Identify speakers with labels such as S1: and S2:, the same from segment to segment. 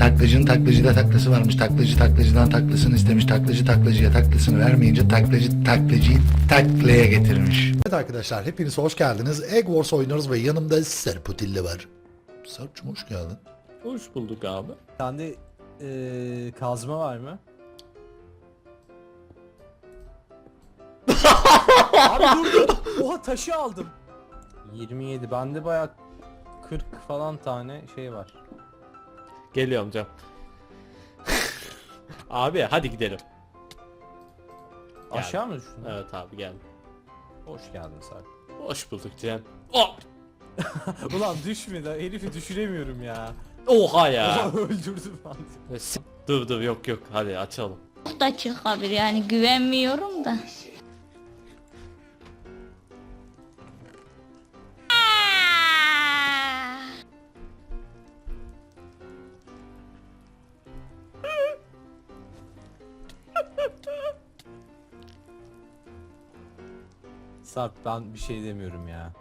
S1: Taklacının taklacıda taklası varmış. Taklacı taklacıdan taklasını istemiş. Taklacı taklacıya taklasını vermeyince taklacı taklacıyı taklaya getirmiş. Evet arkadaşlar, hepiniz hoş geldiniz. Egg Wars oynuyoruz ve yanımda Serputilli var. Sarp'cığım hoş geldin.
S2: Hoş bulduk abi.
S3: Sende kazma var mı? Abi dur. Oha taşı aldım. 27. Bende bayağı 40 falan tane şey var.
S2: Geliyorum Can. Abi hadi gidelim.
S3: Aşağı mı düştün?
S2: Evet abi geldim.
S3: Hoş geldin Sarp.
S2: Hoş bulduk Can. Oh!
S3: Ulan düşme de herifi düşüremiyorum ya.
S2: Oha ya.
S3: Öldürdüm ben.
S2: Dur yok hadi açalım.
S4: Da çıkabilir yani güvenmiyorum da.
S3: Sarp ben bir şey demiyorum ya.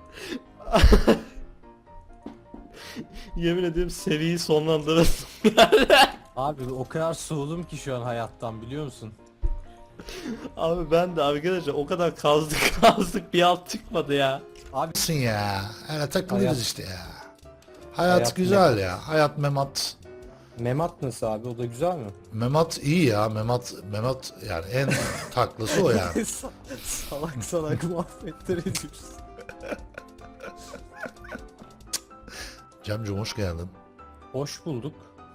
S2: Yemin ederim seriyi sonlandırasın.
S3: Abi o kadar soğudum ki şu an hayattan biliyor musun?
S2: Abi ben de arkadaşlar o kadar kazdık bir alt çıkmadı ya.
S3: Abi
S1: Nasılsın ya? Öyle takılıyoruz
S3: Hayat-
S1: işte ya. Hayat
S3: Hayat
S1: güzel ya. Hayat memat.
S3: Memat nasıl abi, o da güzel mi?
S1: Memat iyi ya. Memat yani en taklası o yani.
S3: salak muhabbetler ediyoruz.
S1: Cemciğim hoş geldin.
S3: Hoş bulduk.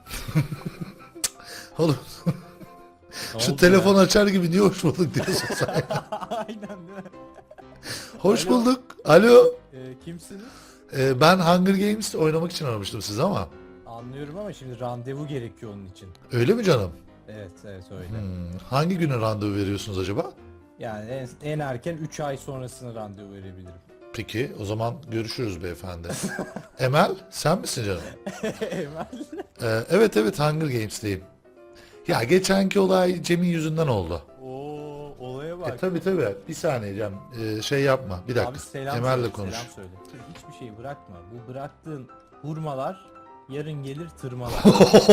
S1: Oğlum
S3: Ne
S1: şu
S3: oldu
S1: telefon
S3: ya?
S1: açar gibi niye hoş bulduk diyorsun sen?
S3: Aynen değil mi?
S1: Hoş
S3: Alo.
S1: bulduk. Alo.
S3: Kimsiniz?
S1: Ben Hunger Games oynamak için aramıştım sizi ama.
S3: Anlıyorum ama şimdi randevu gerekiyor onun için.
S1: Öyle mi canım?
S3: Evet öyle.
S1: Hangi güne randevu veriyorsunuz acaba?
S3: Yani en erken 3 ay sonrasına randevu verebilirim.
S1: Peki o zaman görüşürüz beyefendi. Emel sen misin canım?
S3: Emel.
S1: Evet Hunger Games'teyim. Ya geçenki olay Cem'in yüzünden oldu.
S3: Oo, olaya bak.
S1: Tabi bir saniye Cem, şey yapma bir dakika.
S3: Abi selam
S1: Emel'le
S3: söyle,
S1: konuş.
S3: selam söyle. Hiçbir şey bırakma. Bu bıraktığın hurmalar yarın gelir tırmalar.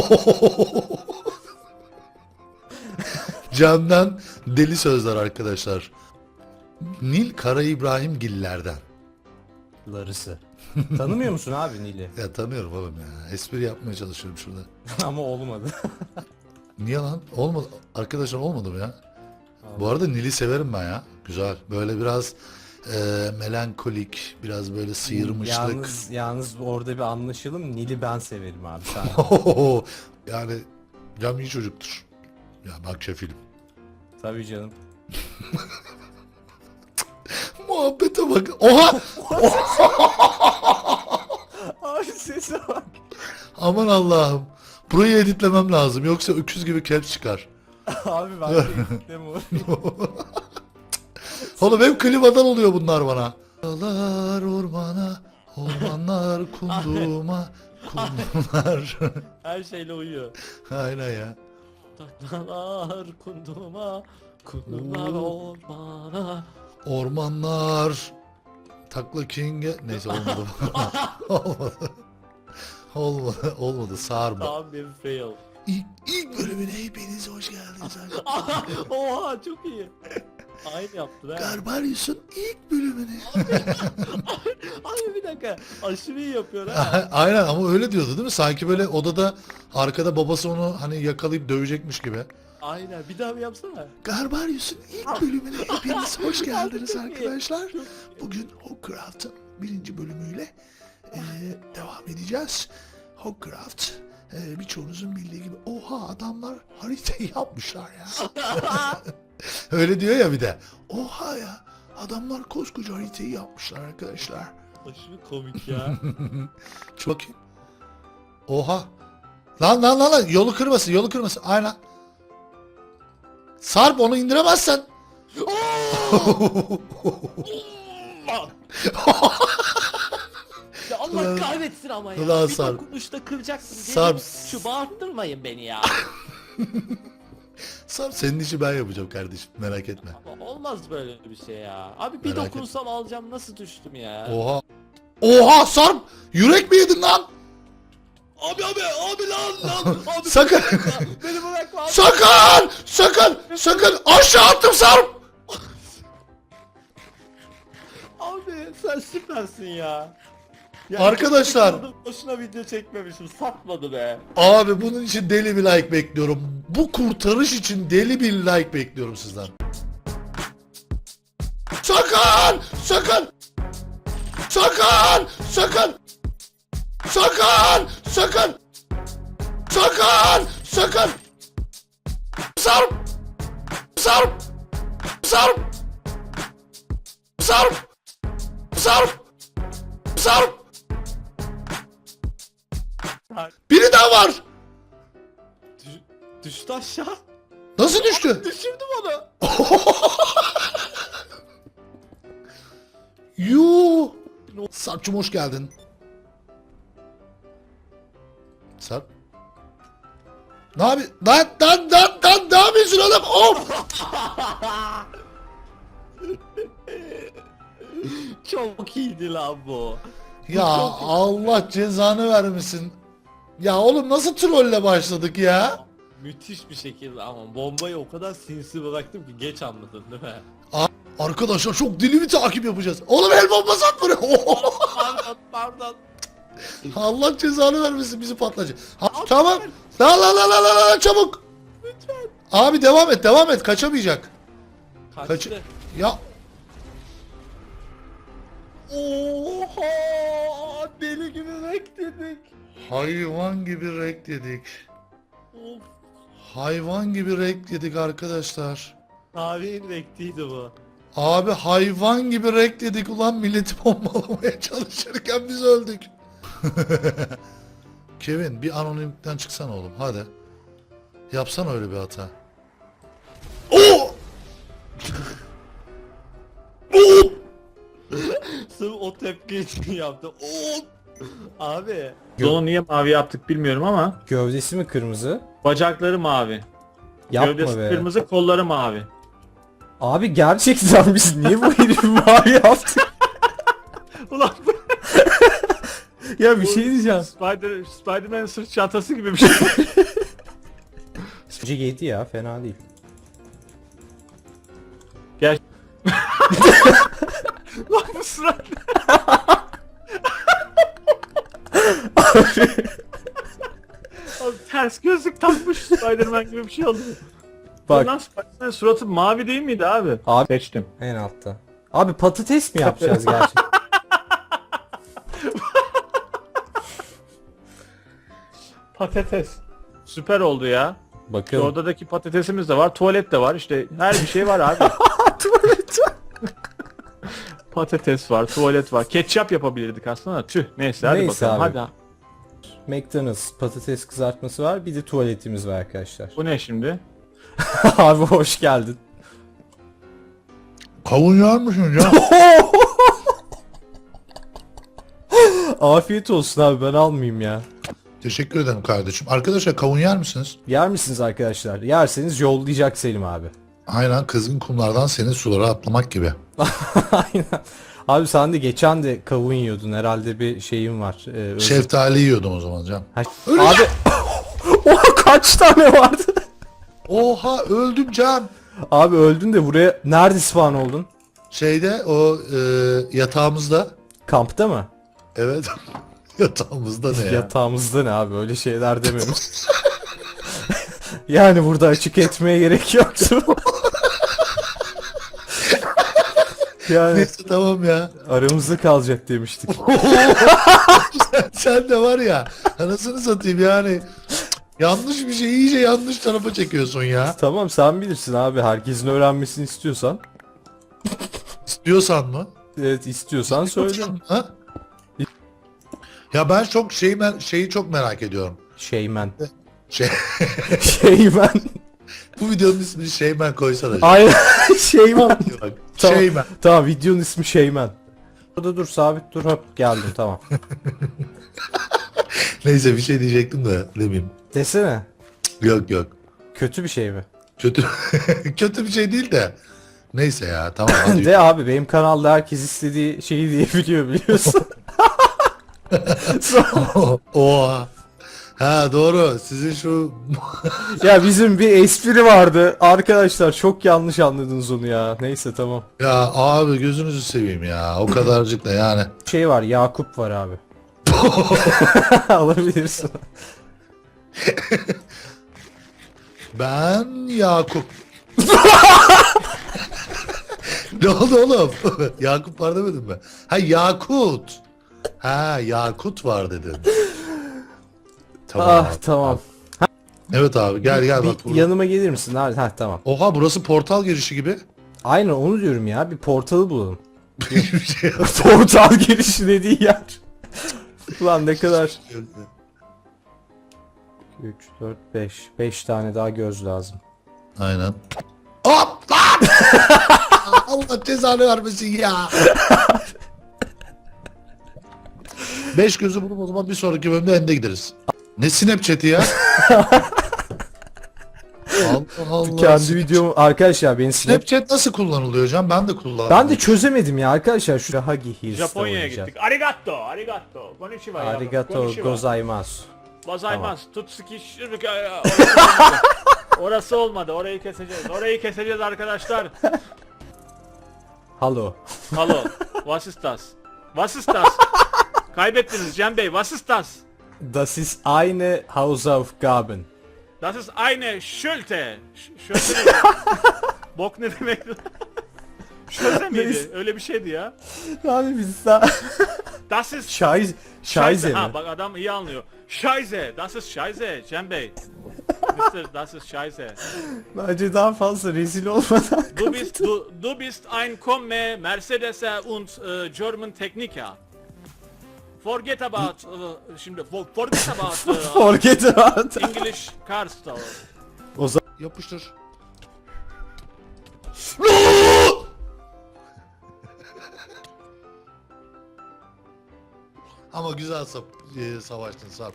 S1: Cem'den deli sözler arkadaşlar. Nil Kara İbrahimgillerden.
S3: Larısı. Tanımıyor musun abi Nil'i?
S1: Ya tanıyorum oğlum ya. Espri yapmaya çalışıyorum şurada.
S3: Ama olmadı.
S1: Niye lan? Olmadı. Arkadaşlar olmadı mı ya? Bu arada Nil'i severim ben ya. Güzel. Böyle biraz melankolik, biraz böyle sıyırmışlık.
S3: Yalnız orada bir anlaşalım. Nil'i ben severim abi. Sen.
S1: Yani Cem iyi çocuktur. Ya bak şefilim.
S3: Tabii canım.
S1: Muhabbete bak. Oha!
S3: Abi sese bak.
S1: Aman Allah'ım. Burayı editlemem lazım. Yoksa öküz gibi caps çıkar.
S3: Abi ben de editleme orayı.
S1: Oğlum hep klimadan oluyor bunlar bana. Dağlar ormana, ormanlar kunduma, kundumlar.
S2: Her şeyle uyuyor.
S1: Aynen ya.
S2: Taklalar kundumlar ormana.
S1: Ormanlar Takla King'e neyse olmadı. olmadı sarma.
S2: Tam bir fail.
S1: İlk bölümüne hepiniz hoş geldiniz.
S2: Oha çok iyi. Aynı yaptın ha.
S1: Garbarius'un ilk bölümüne.
S2: Abi bir dakika. Aşırı iyi yapıyor ha.
S1: Aynen ama öyle diyordu değil mi? Sanki böyle odada arkada babası onu hani yakalayıp dövecekmiş gibi.
S2: Aynen. Bir daha bir yapsana.
S1: Garbarius'un ilk bölümüne hepiniz hoş geldiniz
S2: Çok iyi.
S1: arkadaşlar.
S2: Çok iyi.
S1: Bugün Hogcraft'ın 1. bölümüyle devam edeceğiz. Hogcraft birçoğunuzun bildiği gibi oha adamlar haritayı yapmışlar ya. Öyle diyor ya bir de. Oha ya adamlar koskoca haritayı yapmışlar arkadaşlar.
S2: Aşırı komik ya.
S1: Şu bakayım. Oha. Lan yolu kırmasın aynen. Sarp onu indiremezsen.
S2: Ya Allah
S1: Ulan-
S2: kahretsin ama ya.
S1: Ulan
S2: Bir
S1: Sarp.
S2: dokunuşta kıracaksın.
S1: Sarp.
S2: Şu bağırttırmayın beni ya.
S1: Sarp senin işi ben yapacağım kardeşim merak etme.
S2: Ama olmaz böyle bir şey ya. Abi bir
S1: Merak
S2: dokunsam alacağım nasıl düştüm ya.
S1: Oha. Oha Sarp! Yürek mi yedin lan?
S2: Abi lan. Abi,
S1: Sakın.
S2: beni bırakma abi.
S1: Sakın aşağı attım Sarp.
S2: Abi sen süpersin ya.
S1: Arkadaşlar.
S2: Boşuna video çekmemişim. Satmadı be.
S1: Abi bunun için deli bir like bekliyorum. Bu kurtarış için deli bir like bekliyorum sizden. Sakın! Sakın! Sakın! Sakın! Sakın! Sakın! Sakın! Sakın! Sarp! Sarp! Sarp! Sarp! Sarp! Sarp! Biri daha var!
S2: Düştü aşağı.
S1: Nasıl düştü?
S2: Düşürdüm onu.
S1: Yuuu. Sarp'cum hoş geldin. Sarp. Ne abi? Lan ne yapıyorsun oğlum? Of!
S2: Çok iyiydi lan bu.
S1: Ya Allah cezanı vermesin. Ya oğlum nasıl trolle başladık ya?
S2: Müthiş bir şekilde ama bombayı o kadar sinsi bıraktım ki geç anladın değil mi?
S1: Arkadaşlar çok deli bir takip yapacağız. Oğlum el bombası at buraya.
S2: Pardon.
S1: Allah cezanı vermesin bizi patlayacak. Tamam. La çabuk.
S2: Lütfen.
S1: Abi devam et kaçamayacak.
S2: Kaçtı.
S1: Ya
S2: Oha! Deli gibi bekledik.
S1: hayvan gibi rek yedik.
S2: Of.
S1: Hayvan gibi rek yedik arkadaşlar.
S2: Tarihin rektiydi bu.
S1: Abi hayvan gibi rek yedik ulan milleti bombalamaya çalışırken biz öldük. Kevin bir anonimlikten çıksana oğlum hadi. Yapsana öyle bir hata. Oo! Oo!
S2: Sırf o tepki için yaptı. Oo! Abi.
S5: Onu niye mavi yaptık bilmiyorum ama
S3: Gövdesi mi kırmızı?
S5: bacakları mavi.
S3: Yapma
S5: Gövdesi
S3: be.
S5: kırmızı, kolları mavi.
S3: Abi gerçekten biz niye bu herifi mavi yaptık?
S5: Ulan
S3: Ya bir şey diyeceğim.
S5: Spider-Man'in sırt çantası gibi bir şey.
S3: Sıcı 7 ya fena değil.
S5: Lan bu surat. Abi ters gözlük takmış Spider-Man gibi bir şey oldu.
S3: Bak
S5: Lan Spider-Man'in suratı mavi değil miydi abi?
S3: Abi-
S5: Seçtim.
S3: en altta. Abi patates mi yapacağız gerçekten?
S5: Patates. Süper oldu ya. Şu
S3: Bakın.
S5: odadaki patatesimiz de var, tuvalet de var. İşte her bir şey var abi.
S3: Tuvalet.
S5: Patates var, tuvalet var. Ketçap yapabilirdik aslında. Tüh. Neyse hadi
S3: Neyse
S5: bakalım.
S3: abi.
S5: Hadi.
S3: McDonald's patates kızartması var. Bir de tuvaletimiz var arkadaşlar.
S5: Bu ne şimdi?
S3: Abi hoş geldin.
S1: Kavun yer misin ya?
S3: Afiyet olsun abi ben almayayım ya.
S1: Teşekkür ederim kardeşim. Arkadaşlar kavun yer misiniz?
S3: Yer misiniz arkadaşlar? Yerseniz yollayacak Selim abi.
S1: Aynen kızgın kumlardan senin sulara atlamak gibi.
S3: Aynen. Abi sen de geçen de kavun yiyordun herhalde bir şeyin var.
S1: Şeftali yiyordum o zaman canım.
S3: Ha-
S1: Öleceğim.
S3: Abi oha kaç tane vardı?
S1: Oha öldüm can.
S3: Abi öldün de buraya nerede spawn oldun?
S1: Şeyde o yatağımızda.
S3: Kampta mı?
S1: Evet. Yatağımızda ne ya?
S3: Yatağımızda ne abi öyle şeyler demiyoruz. Yani burada açık etmeye gerek yoktu. Yani
S1: Neyse tamam ya.
S3: aramızda kalacak demiştik.
S1: Sen de var ya. Anasını satayım yani. Yanlış bir şey iyice yanlış tarafa çekiyorsun ya.
S3: Tamam sen bilirsin abi herkesin öğrenmesini istiyorsan.
S1: İstiyorsan mı?
S3: Evet istiyorsan söyle.
S1: Ha? Ya ben çok şeyi çok merak ediyorum.
S3: Şeymen.
S1: Şey,
S3: Şeymen.
S1: bu videonun ismini Şeymen koysana.
S3: Aynen Şeymen.
S1: Bak,
S3: Tamam.
S1: Şeymen.
S3: Tamam videonun ismi Şeymen. Burada dur sabit dur hop geldim tamam.
S1: Neyse bir şey diyecektim de demeyeyim.
S3: Desene.
S1: Yok.
S3: Kötü bir şey mi?
S1: Kötü kötü bir şey değil de. Neyse ya tamam hadi.
S3: De abi benim kanalda herkes istediği şeyi diyebiliyor biliyorsun.
S1: Oha. Ha doğru. Sizin şu
S3: Ya bizim bir espri vardı. Arkadaşlar çok yanlış anladınız onu ya. Neyse tamam.
S1: ya abi gözünüzü seveyim ya. O kadarcık da yani.
S3: Şey var, Yakup var abi. Alabilirsin.
S1: Ben Yakup. Ne oldu oğlum? Yakup var demedim mi? Ha Yakut. Ha Yakut var dedin. Tamam.
S3: Ah
S1: abi.
S3: tamam.
S1: Evet abi gel gel bak
S3: Bir
S1: burada.
S3: yanıma gelir misin abi? Ha tamam.
S1: Oha burası portal girişi gibi.
S3: Aynen onu diyorum ya. Bir portalı bulalım.
S1: Bir şey yok.
S3: Portal girişi dediği yer. Ulan ne kadar. 3, 4, 5. 5 tane daha göz lazım.
S1: Aynen. Hop lan! Allah cezanı vermesin ya. 5 gözü bulup o zaman bir sonraki bölümde ende gideriz. Ne Snapchat'i ya? Allah Allah.
S3: Kendi videomu arkadaşlar beni
S1: Snapchat nasıl kullanılıyor hocam? Ben de kullandım.
S3: Ben de çözemedim ya arkadaşlar şu Hagi Hills'te
S5: Japonya'ya
S3: oynayacağız.
S5: gittik. Arigato, arigato. Konnichiwa yavrum,
S3: Arigato
S5: konnichiwa.
S3: gozaimasu.
S5: Gozaimasu. Tutsuki Orası olmadı. Orayı keseceğiz. Orayı keseceğiz arkadaşlar.
S3: Hallo.
S5: Hallo. Was ist das? Was ist das? Kaybettiniz Cem Bey. Was ist das?
S3: Das ist eine Hausaufgaben.
S5: Das ist eine Schülte. Şöyle ne? Bok ne demek? Şöyle miydi? Öyle bir şeydi ya.
S3: Abi biz daha...
S5: Das ist
S3: Scheiße mi?
S5: Ha bak adam iyi anlıyor. Scheiße. Das ist Scheiße Cem Bey. Mister, das ist Scheiße.
S3: Bence daha fazla rezil olmadan.
S5: Du bist ein Komme Mercedes'e und German Techniker. Forget about şimdi forget about
S3: Forget about.
S5: English cars.
S1: Yapıştır. Ama güzel savaştın Sarp.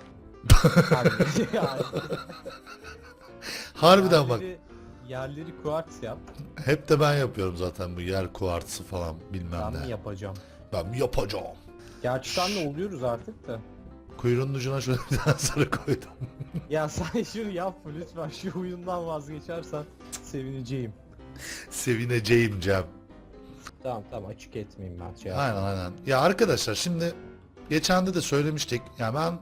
S1: Harbiden bak.
S3: Yerleri kuartz yap.
S1: Hep de ben yapıyorum zaten bu yer kuartsı falan bilmem
S3: Ben mi
S1: ne.
S3: yapacağım?
S1: Ben mi yapacağım?
S3: Gerçi senle oluyoruz artık da.
S1: Kuyruğunun ucuna şöyle bir tane sarı koydum.
S3: Ya sen şunu yapma lütfen, şu oyundan vazgeçersen sevineceğim.
S1: Sevineceğim Cem.
S3: Tamam tamam, açık etmeyeyim ben şey
S1: Aynen aynen. Ya arkadaşlar şimdi geçen de söylemiştik. Yani ben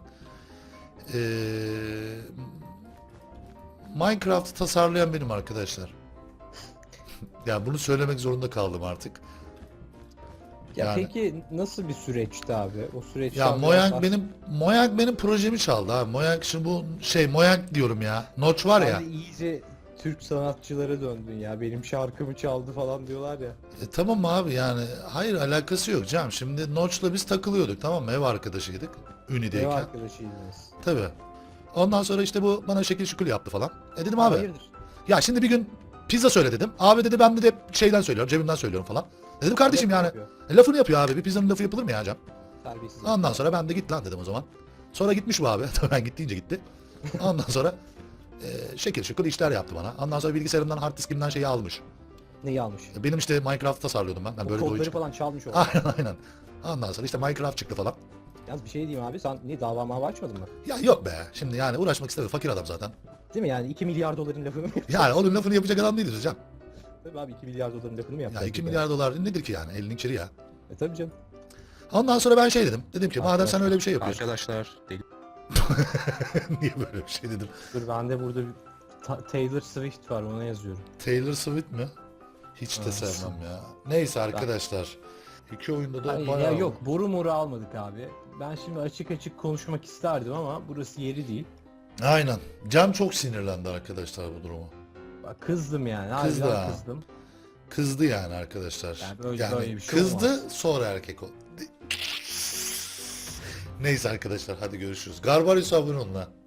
S1: Minecraft'ı tasarlayan benim arkadaşlar. Yani bunu söylemek zorunda kaldım artık.
S3: Ya
S1: Yani-
S3: peki nasıl bir süreçti abi? O süreçten
S1: Ya
S3: biraz
S1: Mojang benim projemi çaldı ha. Mojang şimdi bu Mojang diyorum ya. Notch var ya.
S3: Sen de iyice Türk sanatçılara döndün ya. Benim şarkımı çaldı falan diyorlar ya.
S1: Tamam abi yani hayır alakası yok Cem. Şimdi Notch'la biz takılıyorduk tamam mı? Ev arkadaşıydık.
S3: Ev
S1: Uni'deyken.
S3: arkadaşıydınız.
S1: Tabii. Ondan sonra işte bu bana şekil şukul yaptı falan. Dedim abi.
S3: Hayırdır?
S1: Ya şimdi bir gün pizza söyle dedim. Abi dedi ben de hep şeyden söylüyorum, cebimden söylüyorum falan. Dedim kardeşim
S3: Lafını
S1: yani.
S3: yapıyor.
S1: Lafını yapıyor abi. Bir pizzanın lafı yapılır mı ya Cem?
S3: Terbiyesiz.
S1: Ondan sonra ben de git lan dedim o zaman. Sonra gitmiş bu abi. Tabii ben gittiğince gitti. Ondan sonra şekil şukul işler yaptı bana. Ondan sonra bilgisayarımdan hard diskimden şeyi almış.
S3: Neyi almış?
S1: Benim işte Minecraft tasarlıyordum ben.
S3: O
S1: Böyle bir oyun
S3: kodları
S1: çıktı.
S3: falan çalmış o.
S1: Aynen aynen. Ondan sonra işte Minecraft çıktı falan.
S3: Yalnız bir şey diyeyim abi, sen niye dava mava açmadın mı?
S1: Ya yok be. Şimdi yani uğraşmak istemiyor. Fakir adam zaten.
S3: Değil mi yani 2 milyar doların lafını mı yapacaksın?
S1: Yani onun lafını yapacak adam değiliz hocam.
S3: Tabii abi 2 milyar doların lafını mı
S1: Ya
S3: yapacaksın?
S1: 2 milyar dolar nedir ki yani? Elinin kiri ya.
S3: Tabii canım.
S1: Ondan sonra ben şey dedim. Dedim ki madem sen öyle bir şey yapıyorsun.
S3: Arkadaşlar deli.
S1: Niye böyle bir şey dedim.
S3: Dur bende burada bir Taylor Swift var, ona yazıyorum.
S1: Taylor Swift mi? Hiç de
S3: Evet.
S1: sevmem ya. Neyse arkadaşlar. İki oyunda da
S3: Hayır,
S1: bayağı...
S3: ya yok, boru moru almadık abi. Ben şimdi açık açık konuşmak isterdim ama burası yeri değil.
S1: Aynen. Cem çok sinirlendi arkadaşlar bu duruma.
S3: Bak, kızdım yani.
S1: Kızdı
S3: Harbiden
S1: ha.
S3: kızdım.
S1: Kızdı yani arkadaşlar.
S3: Yani böyle bir şey
S1: kızdı
S3: olmaz.
S1: sonra erkek oldu. Neyse arkadaşlar hadi görüşürüz. Garbarius abone olun ha.